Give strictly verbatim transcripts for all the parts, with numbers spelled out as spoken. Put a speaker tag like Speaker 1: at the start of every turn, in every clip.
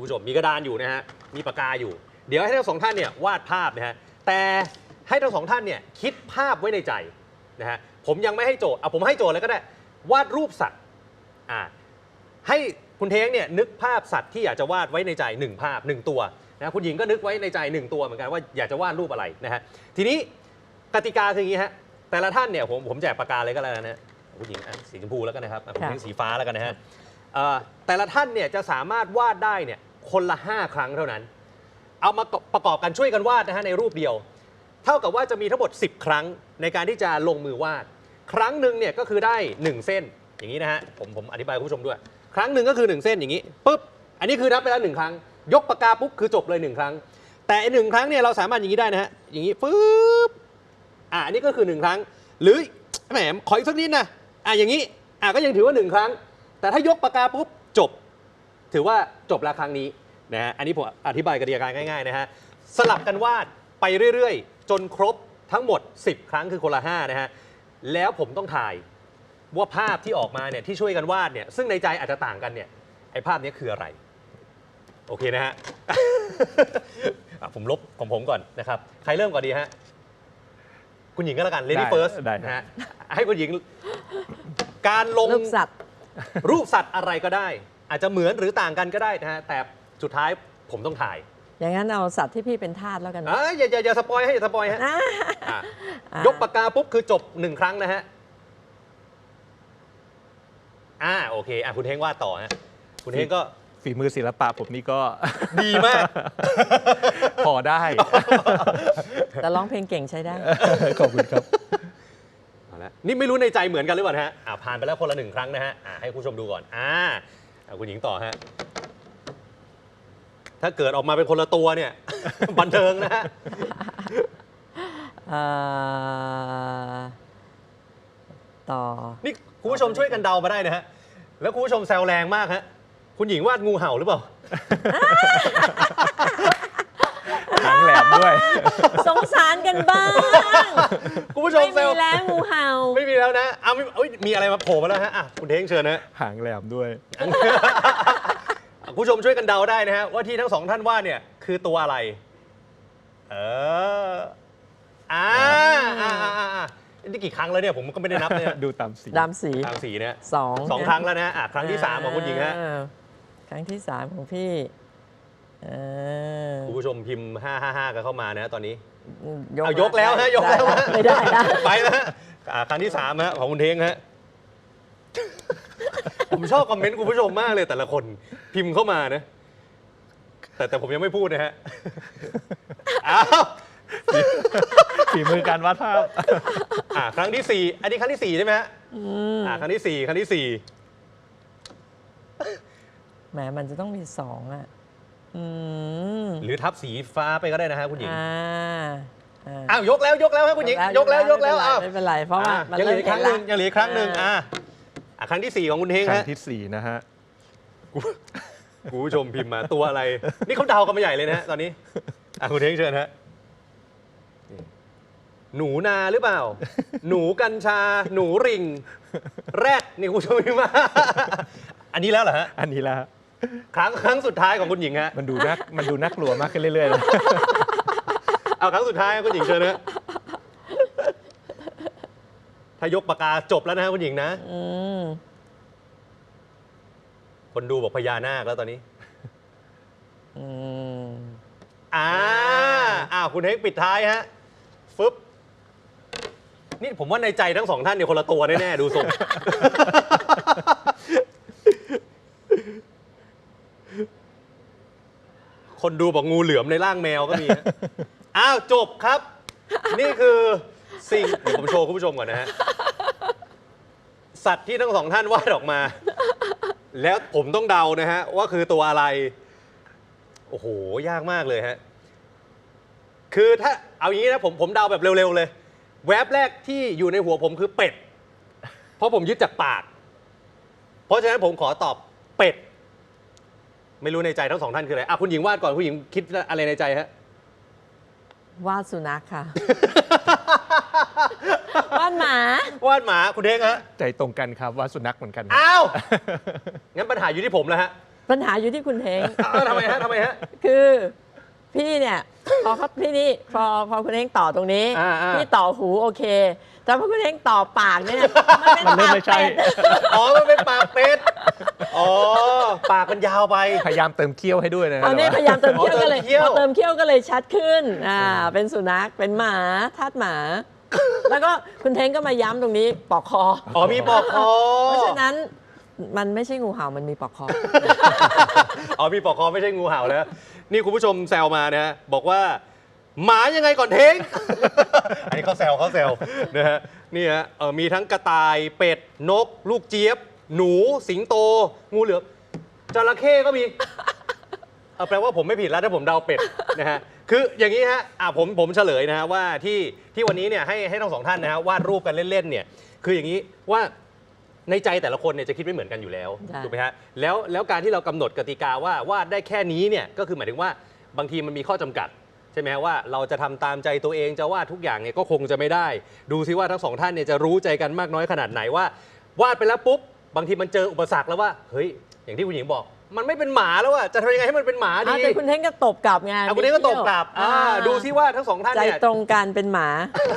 Speaker 1: ผู้ชมมีกระดานอยู่นะฮะมีปากกาอยู่เดี๋ยวให้ทั้งสองท่านเนี่ยวาดภาพนะฮะแต่ให้ทั้งสองท่านเนี่ยคิดภาพไว้ในใจนะฮะผมยังไม่ให้โจทย์เอาผมให้โจทย์เลยก็ได้วาดรูปสัตว์อ่าให้คุณเท้งเนี่ยนึกภาพสัตว์ที่อยากจะวาดไว้ในใจหนึ่งภาพหนึ่งตัวนะคุณหญิงก็นึกไว้ในใจหนึ่งตัวเหมือนกันว่าอยากจะวาดรูปอะไรนะฮะทีนี้กติกาคืออย่างนี้ฮะแต่ละท่านเนี่ยผมผมแจกปากกาเลยก็แล้วนะคุณหญิงสีชมพูแล้วกันนะครับคุณเท้งสีฟ้าแล้วกันนะฮะแต่ละท่านเนี่ยจะสามารถวาดได้เนี่ยคนละห้าครั้งเท่านั้นเอามาประกอบกันช่วยกันวาดนะฮะในรูปเดียวเท่ากับว่าจะมีทั้งหมดสิบครั้งในการที่จะลงมือวาดครั้งหนึ่งเนี่ยก็คือได้หนึ่งเส้นอย่างนี้นะฮะผมผมอธิบายคุณผู้ชมด้วยครั้งหนึ่งก็คือหนึ่งเส้นอย่างนี้ปุ๊บอันนี้คือนับไปแล้วหนึ่งครั้งยกปากกาปุ๊บคือจบเลยหนึ่งครั้งแต่หนึ่งครั้งเนี่ยเราสามารถอย่างนี้ได้นะฮะอย่างนี้ปุ๊บอ่ะอันนี้ก็คือหนึ่งครั้งหรือแหมขออีกสักนิดนะอ่ะอย่างนี้อ่ะก็ยังถือว่าหนึ่งครั้งแต่ถ้ายกปากกาปุ๊บจบถือว่าจบละครั้งนี้นะฮะอันนี้ผมอธิบายกติกาง่ายๆนะฮะสลับกันวาดไปเรื่อยๆจนครบทั้งหมดสิบครั้งคือคนละห้านะฮะแล้วผมต้องถ่ายว่าภาพที่ออกมาเนี่ยที่ช่วยกันวาดเนี่ยซึ่งในใจอาจจะต่างกันเนี่ยไอ้ภาพนี้คืออะไรโอเคนะฮะ ผมลบของผมก่อนนะครับใครเริ่มก่อนดีฮะคุณหญิงก็แล้วกัน Lady First นะฮะให้คุณหญิงการลง
Speaker 2: รูปสัตว์
Speaker 1: รูปสัตว์อะไรก็ได้อาจจะเหมือนหรือต่างกันก็ได้นะฮะแต่สุดท้ายผมต้องถ่าย
Speaker 2: อย่างนั้นเอาสัตว์ที่พี่เป็นทาสแล้วกัน
Speaker 1: อ่าอย่าอย่าอย่าสปอยให้อย่าสปอยฮะยกปากกาปุ๊บคือจบหนึ่งครั้งนะฮะอ่าโอเคอ่ะคุณเท้งวาดต่อฮะคุณเท้งก็
Speaker 3: ฝีมือศิลปะผมนี่ก็
Speaker 1: ดีมาก
Speaker 3: พอได้
Speaker 2: แต่ร้องเพลงเก่งใช้ได้
Speaker 3: ขอบคุณครับ
Speaker 1: เอาละนี่ไม่รู้ในใจเหมือนกันหรือเปล่าฮะอ่าผ่านไปแล้วคนละหนึ่งครั้งนะฮะอ่าให้คุณผู้ชมดูก่อนอ่าคุณหญิงต่อฮะถ้าเกิดออกมาเป็นคนละตัวเนี่ย บันเทิงนะฮะ
Speaker 2: ต่อ
Speaker 1: นี่คุณผู้ชมช่วยกันเดามาได้นะฮะแล้วคุณผู้ชมแซวแรงมากฮะคุณหญิงวาดงูเห่าหรือเปล่า
Speaker 3: หางแหลมด้วย
Speaker 2: สงสารกันบ้าง
Speaker 1: คุณผู้ชม
Speaker 2: ไม่มีแล้วงูเห่า
Speaker 1: ไม่มีแล้วนะเอาไม่มีอะไรมาโผล่มาแล้วฮะอ่ะคุณเท้งเชิญนะ
Speaker 3: หางแหลมด้วย
Speaker 1: คุณผู้ชมช่วยกันเดาได้นะฮะว่าที่ทั้งสองท่านว่าเนี่ยคือตัวอะไรเอออ่าอ่าอ่านี่กี่ครั้งแล้วเนี่ยผมก็ไม่ได้นับเนี่ย
Speaker 3: ดูตามสี
Speaker 2: ตามสี
Speaker 1: ตามสีเนี่ย
Speaker 2: สอง
Speaker 1: สองครั้งแล้วนะอ่ะครั้งที่สามของคุณหญิงฮะ
Speaker 2: ครั้งที่สามของพี่
Speaker 1: คุณผู้ชมพิมพ์ห้าห้าห้ากันเข้ามานะตอนนี้
Speaker 2: เอา
Speaker 1: ยกแล้วฮะยกแล้ว
Speaker 2: ไม่ได้นะ
Speaker 1: ไปแล้วฮะครั้งที่สามฮะของคุณเท้งฮะผมชอบคอมเมนต์คุณผู้ชมมากเลยแต่ละคนพิมพ์เข้ามานะแต่แต่ผมยังไม่พูดนะฮะอ้าว
Speaker 3: ฝีมือการวาดภาพ
Speaker 1: อ่าครั้งที่สี่อันนี้ครั้งที่สี่ใช่ไหมฮะอ่าครั้งที่สี่ครั้งที่สี่
Speaker 2: แหมมันจะต้องมีสองอ่ะ
Speaker 1: หรือทับสีฟ้าไปก็ได้นะฮะคุณหญิง
Speaker 2: อ้
Speaker 1: าวยกแล้วยกแล้วฮะคุณหญิงยกแล้วยกแล้วอ้าว
Speaker 2: ไม่เป็นไรเพราะว่า
Speaker 1: ยังเหลือครั้งหนึ่งยังเหลือครั้งหนึ่งอ่าครั้งที่สี่ของคุณเท้ง
Speaker 3: ครั้งที่สี่นะฮะ
Speaker 1: คุณผู้ชมพิมพ์มาตัวอะไรนี่เขาเดากันมาใหญ่เลยนะตอนนี้อ่ะคุณเท้งเชิญฮะหนูนาหรือเปล่าหนูกัญชาหนูริงแรดนี่คุณผู้ชมพิมพ์มาอันนี้แล้วเหรอฮะ
Speaker 3: อันนี้แล้ว
Speaker 1: ครั้งครั้งสุดท้ายของคุณหญิงฮะ
Speaker 3: มันดูน่ามันดูน่ากลัวมากขึ้นเรื่อยๆเลย
Speaker 1: เอาครั้งสุดท้ายคุณหญิงเชิญนะถ้ายกปากกาจบแล้วนะคุณหญิงนะคนดูบอกพญานาคแล้วตอนนี้อ่าอ้าวคุณเฮกปิดท้ายฮะฟึบนี่ผมว่าในใจทั้งสองท่านเนี่ยคนละตัวแน่ๆดูทรงคนดูบอกงูเหลือมในร่างแมวก็มีอ้าวจบครับนี่คือสิ่งเดี๋ยวผมโชว์คุณผู้ชมก่อนนะฮะสัตว์ที่ทั้งสองท่านวาดออกมาแล้วผมต้องเดานะฮะว่าคือตัวอะไรโอ้โหยากมากเลยฮะคือถ้าเอาอย่างนี้นะผมผมเดาแบบเร็วๆเลยแวบแรกที่อยู่ในหัวผมคือเป็ดเพราะผมยึดจากปากเพราะฉะนั้นผมขอตอบเป็ดไม่รู้ในใจทั้งสองท่านคืออะไรอ่ะคุณหญิงวาดก่อนคุณหญิงคิดอะไรในใจฮะ
Speaker 2: วาดสุนัขค่ะวาดหมาว
Speaker 1: าดหมาคุณเท้งฮะ
Speaker 3: ใจตรงกันครับวาดสุนัขเหมือนกัน
Speaker 1: อ้าวงั้นปัญหาอยู่ที่ผมแล้วฮะ
Speaker 2: ปัญหาอยู่ที่คุณเท้ง
Speaker 1: อ้าวทำไมฮะทำไมฮะ
Speaker 2: คือพี่เนี่ยพอเขาพี่นี่พอพอคุณเท้งต่อตรงนี้
Speaker 1: อ่าอ่า
Speaker 2: พี่ต่อหูโอเค แต่พอคุณเท้งต่อปากเนี่ยมันเป็น
Speaker 3: มันเริ่ม
Speaker 2: ปาก
Speaker 3: ไม่ใช่
Speaker 2: เป็ด
Speaker 1: อ๋อมันเป็นปากเป็ดอ๋อปากมันยาวไป
Speaker 3: พยายามเติมเคี้ยวให้ด้วยนะ
Speaker 2: ตอนนี้พยายามเติมเขี้ยวก็เลย
Speaker 1: อ๋อเติมเขี้ยว
Speaker 2: พอเติมเขี้ยวก็เลยชัดขึ้นอ่าเป็นสุนัขเป็นหมาทาสหมา แล้วก็คุณเท้งก็มาย้ำตรงนี้ปอกคอ
Speaker 1: อ๋อมีปอกคอ
Speaker 2: เพราะฉะนั้นมันไม่ใช่งูเห่ามันมีปอกคอ
Speaker 1: อ๋อมีปอกคอไม่ใช่งูเห่าแล้ว นี่คุณผู้ชมแซวมานะฮะบอกว่า หมายังไงก่อนเท้ง อันนี้เขาแซวเขาแซวนะฮะนี่ฮะเอ่อมีทั้งกระต่ายเป็ดนก ลูกเจี๊ยบ หนู สิงโต งูเหลือมจระเข้ก็มีเออแปลว่าผมไม่ผิดแล้วถ้าผมเดาเป็ดนะฮะคืออย่างนี้ฮะอ่ะผมผมเฉลยนะฮะว่าที่ที่วันนี้เนี่ยให้ให้ทั้งสองท่านนะฮะวาดรูปกันเล่นๆเนี่ยคืออย่างนี้ว่าในใจแต่ละคนเนี่ยจะคิดไม่เหมือนกันอยู่แล้ว
Speaker 2: ใช่
Speaker 1: ถูกไหมฮะแล้วแล้วการที่เรากำหนดกติกาว่าวาดได้แค่นี้เนี่ยก็คือหมายถึงว่าบางทีมันมีข้อจำกัด ใช่ไหมฮะว่าเราจะทำตามใจตัวเองจะวาดทุกอย่างเนี่ยก็คงจะไม่ได้ ดูซิว่าทั้งสองท่านเนี่ยจะรู้ใจกันมากน้อยขนาดไหนว่าวาดไปแล้วปุ๊บบางทีมันเจออุปสรรคแล้วว่าเฮ้ยอย่างที่คุณหญิงบอก มันไม่เป็นหมาแล้วอะจะทำยังไงให้มันเป็นหมาดี
Speaker 2: อ่าแต่คุณเท้งก็ตบกลับไง
Speaker 1: อ่ะคุณเองก็ตบกลับอ่าดูซิว่าทั้งสองท่าน
Speaker 2: ใจ
Speaker 1: เนี่ย
Speaker 2: ตรงกันเป็นหมา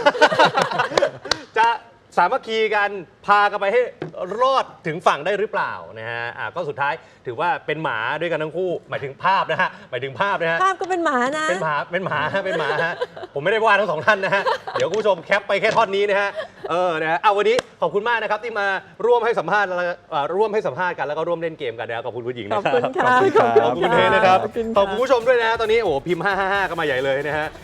Speaker 1: จะสามัคคีกันพากันไปให้รอดถึงฝั่งได้หรือเปล่านะฮะอ่ะก็สุดท้ายถือว่าเป็นหมาด้วยกันทั้งคู่ หมายถึงภาพนะฮะหมายถึงภาพนะฮะ
Speaker 2: ภาพก็เป็นหมานะ
Speaker 1: เป็นหมา เป็นหมา เป็นหมาฮะ ผมไม่ได้ว่าทั้งสองท่านนะฮะ เดี๋ยวคุณผู้ชมแคปไปแค่ท่อนนี้นะฮะ เออ นะฮะ เอาวันนี้ขอบคุณมากนะครับที่มาร่วมให้สัมภาษณ์แล้วเอ่อร่วมให้สัมภาษณ์กันแล้วก็ร่วมเล่นเกมกันนะครับขอบคุณคุณหญิง
Speaker 2: ข
Speaker 1: นะ
Speaker 2: อบ
Speaker 1: ครับ
Speaker 2: คุณค่ะ
Speaker 3: ขอบคุณครับ
Speaker 1: ขอบคุณเทนะครับ
Speaker 2: ขอบคุณ
Speaker 1: ขอบคุณ
Speaker 2: ค่ะ
Speaker 1: ผู้ชมด้วยนะฮะตอนนี้โอ้โหพิมพ์ห้าห้าห้าก็มาใหญ่เลยนะฮะ